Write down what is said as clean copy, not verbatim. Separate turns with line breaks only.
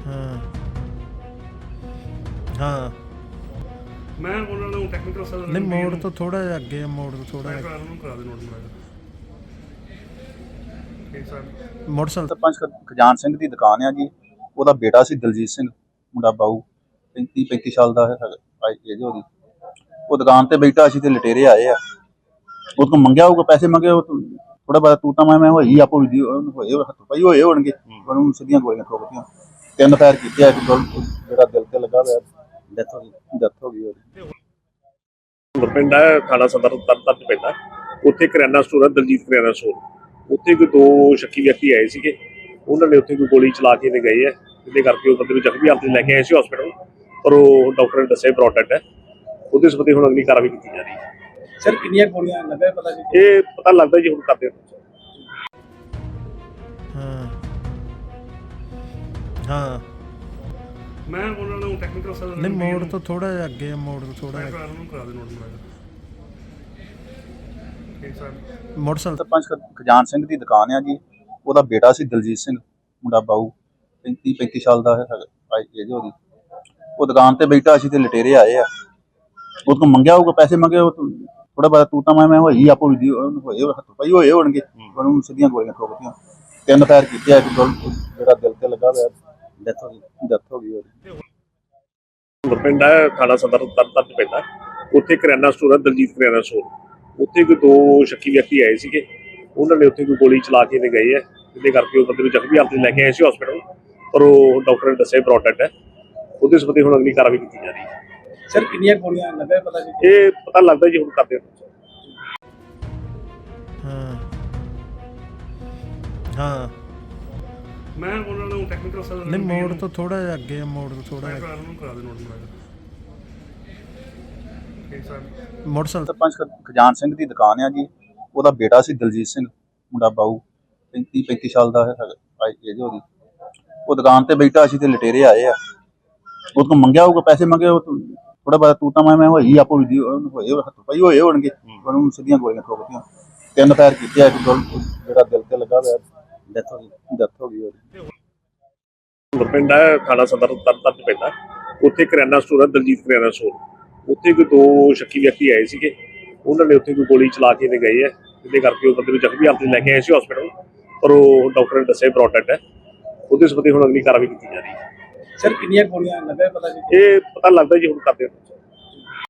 हाँ हाँ
मैं ਉਹਨਾਂ ਨੂੰ ਟੈਕਨੀਕਲ ਸਰ
नहीं मोड़ तो थोड़ा जिहा अगे है, मोड़ तो थोड़ा जिहा
ਨੂੰ ਕਰਾ ਦੇ ਨੋਟ ਮੈਂ ਠੀਕ ਸਰ
मोटरसाइकिल
ਸਰਪੰਚ ਖਜਾਨ ਸਿੰਘ ਦੀ ਦੁਕਾਨ ਆ ਜੀ। ਉਹਦਾ ਬੇਟਾ ਸੀ ਦਲਜੀਤ ਸਿੰਘ, ਮੁੰਡਾ ਬਾਊ 35 ਸਾਲ ਦਾ ਹੈ ਏਜ ਉਹਦੀ। ਉਹ ਦੁਕਾਨ ਤੇ ਬੈਠਾ ਸੀ ਤੇ ਲਟੇਰੇ ਆਏ ਆ। ਉਹ ਤੋਂ ਮੰਗਿਆ ਹੋਊਗਾ, ਪੈਸੇ ਮੰਗੇ, ਉਹ ਥੋੜਾ ਬਾਅਦ ਤੂੰ ਤਾਂ ਮੈਂ ਹੋਈ ਆਪੋ ਵੀ ਹੋਏ ਹੱਥੋਂ ਪਈ ਹੋਏ ਹੋਣਗੇ। ਉਹਨੂੰ ਸਿੱਧੀਆਂ ਗੋਲੀਆਂ ਠੋਕਤੀਆਂ, 3 ਫਾਇਰ ਕੀਤੇ ਆ। ਇੱਕ ਜਿਹੜਾ ਦਿਲ ਤੇ ਲੱਗਾ ਹੋਇਆ, ਡੈਥ ਹੋ ਗਈ ਉਹਦੀ।
ਪਿੰਡ ਹੈ ਥਾਣਾ ਸਦਰ ਤਰਨਤਾਰਨ ਪੈਂਦਾ। ਉੱਥੇ ਕਰਿਆਨਾ ਸਟੋਰ ਹੈ, ਦਲਜੀਤ ਕਰਿਆਨਾ ਸਟੋਰ। ਉੱਥੇ ਕੋਈ 2 ਸ਼ੱਕੀ ਵਿਅਕਤੀ ਆਏ ਸੀਗੇ। ਉਹਨਾਂ ਨੇ ਉੱਥੇ ਕੋਈ ਗੋਲੀ ਚਲਾ ਕੇ ਗਏ ਆ, ਜਿਹਦੇ ਕਰਕੇ ਉਹ ਬੰਦੇ ਨੂੰ ਜ਼ਖਮੀ ਹਾਲਤ ਲੈ ਕੇ ਆਏ ਸੀ ਹਸਪੀਟਲ। ਪਰ ਉਹ ਡਾਕਟਰ ਨੇ ਦੱਸਿਆ ਬ੍ਰੌਡ ਡੈਡ ਹੈ। ਉਹਦੇ ਸੰਬੰਧੀ ਹੁਣ ਅਗਲੀ ਕਾਰਵਾਈ ਕੀਤੀ ਜਾ ਰਹੀ ਹੈ।
ਸਰ ਕਿੰਨੀਆਂ ਗੋਲੀਆਂ ਲੱਗਾ ਪਤਾ ਜੀ?
ਇਹ ਪਤਾ ਲੱਗਦਾ ਜੀ ਹੁਣ ਕਰਦੇ
हाँ हाँ
ਮੈਂ ਉਹਨਾਂ ਨੂੰ ਟੈਕਨੀਕਲ ਸਰ
नहीं मोड़ तो थोड़ा जिहा अगे है, मोड़ तो थोड़ा जिहा
ਨੂੰ ਕਰਾ ਦੇ ਨੋਟ ਮੈਂ ਠੀਕ ਸਰ
मोटरसाइकिल
ਸਰਪੰਚ ਖਜਾਨ ਸਿੰਘ ਦੀ ਦੁਕਾਨ ਆ ਜੀ। ਉਹਦਾ ਬੇਟਾ ਸੀ ਦਲਜੀਤ ਸਿੰਘ, ਮੁੰਡਾ ਬਾਊ 35 ਸਾਲ ਦਾ ਹੈ ਏਜ ਉਹਦੀ। ਉਹ ਦੁਕਾਨ ਤੇ ਬੈਠਾ ਸੀ ਤੇ ਲਟੇਰੇ ਆਏ ਆ। ਉਹ ਤੋਂ ਮੰਗਿਆ ਹੋਊਗਾ, ਪੈਸੇ ਮੰਗੇ, ਉਹ ਥੋੜਾ ਬਾਅਦ ਤੂੰ ਤਾਂ ਮੈਂ ਹੋਈ ਆਪੋ ਵੀ ਹੋਏ ਹੱਥੋਂ ਪਈ ਹੋਏ ਹੋਣਗੇ। ਉਹਨੂੰ ਸਿੱਧੀਆਂ ਗੋਲੀਆਂ ਠੋਕਤੀਆਂ, 3 ਫਾਇਰ ਕੀਤੇ ਆ। ਇੱਕ ਜਿਹੜਾ ਦਿਲ ਤੇ ਲੱਗਾ ਹੋਇਆ, ਡੈਥ ਹੋ ਗਈ ਉਹਦੀ।
ਪਿੰਡ ਹੈ ਥਾਣਾ ਸਦਰ ਤਰਨਤਾਰਨ ਪੈਂਦਾ। ਉੱਥੇ ਕਰਿਆਨਾ ਸਟੋਰ ਹੈ, ਦਲਜੀਤ ਕਰਿਆਨਾ ਸਟੋਰ। ਉੱਥੇ ਕੋਈ 2 ਸ਼ੱਕੀ ਵਿਅਕਤੀ ਆਏ ਸੀਗੇ। ਉਹਨਾਂ ਨੇ ਉੱਥੇ ਕੋਈ ਗੋਲੀ ਚਲਾ ਕੇ ਗਏ ਆ, ਜਿਹਦੇ ਕਰਕੇ ਉਹ ਬੰਦੇ ਨੂੰ ਜ਼ਖਮੀ ਹਾਲਤ ਲੈ ਕੇ ਆਏ ਸੀ ਹਸਪੀਟਲ। ਪਰ ਉਹ ਡਾਕਟਰ ਨੇ ਦੱਸਿਆ ਬ੍ਰੌਡ ਡੈਡ ਹੈ। ਉਹਦੇ ਸੰਬੰਧੀ ਹੁਣ ਅਗਲੀ ਕਾਰਵਾਈ ਕੀਤੀ ਜਾ ਰਹੀ ਹੈ।
ਸਰ ਕਿੰਨੀਆਂ ਗੋਲੀਆਂ ਲੱਗਾ ਪਤਾ ਜੀ?
ਇਹ ਪਤਾ ਲੱਗਦਾ ਜੀ ਹੁਣ ਕਰਦੇ
हाँ हाँ
ਮੈਂ ਉਹਨਾਂ ਨੂੰ ਟੈਕਨੀਕਲ ਸਰ
नहीं मोड़ तो थोड़ा जिहा अगे है, मोड़ तो थोड़ा जिहा
ਨੂੰ ਕਰਾ ਦੇ ਨੋਟ ਮੈਂ ਠੀਕ ਸਰ
मोटरसाइकिल
ਸਰਪੰਚ ਖਜਾਨ ਸਿੰਘ ਦੀ ਦੁਕਾਨ ਆ ਜੀ। ਉਹਦਾ ਬੇਟਾ ਸੀ ਦਲਜੀਤ ਸਿੰਘ, ਮੁੰਡਾ ਬਾਊ 35 ਸਾਲ ਦਾ ਹੈ ਏਜ ਉਹਦੀ। ਉਹ ਦੁਕਾਨ ਤੇ ਬੈਠਾ ਸੀ ਤੇ ਲਟੇਰੇ ਆਏ ਆ। ਉਹ ਤੋਂ ਮੰਗਿਆ ਹੋਊਗਾ, ਪੈਸੇ ਮੰਗੇ, ਉਹ ਥੋੜਾ ਬਾਅਦ ਤੂੰ ਤਾਂ ਮੈਂ ਹੋਈ ਆਪੋ ਵੀ ਹੋਏ ਹੱਥੋਂ ਪਈ ਹੋਏ ਹੋਣਗੇ। ਉਹਨੂੰ ਸਿੱਧੀਆਂ ਗੋਲੀਆਂ ਠੋਕਤੀਆਂ, 3 ਫਾਇਰ ਕੀਤੇ ਆ। ਇੱਕ ਜਿਹੜਾ ਦਿਲ ਤੇ ਲੱਗਾ ਹੋਇਆ, ਡੈਥ ਹੋ ਗਈ ਉਹਦੀ।
ਪਿੰਡ ਹੈ ਥਾਣਾ ਸਦਰ ਤਰਨਤਾਰਨ ਪੈਂਦਾ। ਉੱਥੇ ਕਰਿਆਨਾ ਸਟੋਰ ਹੈ, ਦਲਜੀਤ ਕਰਿਆਨਾ ਸਟੋਰ। ਉੱਥੇ ਕੋਈ 2 ਸ਼ੱਕੀ ਵਿਅਕਤੀ ਆਏ ਸੀਗੇ। ਉਹਨਾਂ ਨੇ ਉੱਥੇ ਕੋਈ ਗੋਲੀ ਚਲਾ ਕੇ ਗਏ ਆ, ਜਿਹਦੇ ਕਰਕੇ ਉਹ ਬੰਦੇ ਨੂੰ ਜ਼ਖਮੀ ਹਾਲਤ ਲੈ ਕੇ ਆਏ ਸੀ ਹਸਪੀਟਲ। ਪਰ ਉਹ ਡਾਕਟਰ ਨੇ ਦੱਸਿਆ ਬ੍ਰੌਡ ਡੈਡ ਹੈ। ਉਹਦੇ ਸੰਬੰਧੀ ਹੁਣ ਅਗਲੀ ਕਾਰਵਾਈ ਕੀਤੀ ਜਾ ਰਹੀ ਹੈ।
ਸਰ ਕਿੰਨੀਆਂ ਗੋਲੀਆਂ ਲੱਗਾ ਪਤਾ ਜੀ?
ਇਹ ਪਤਾ ਲੱਗਦਾ ਜੀ ਹੁਣ ਕਰਦੇ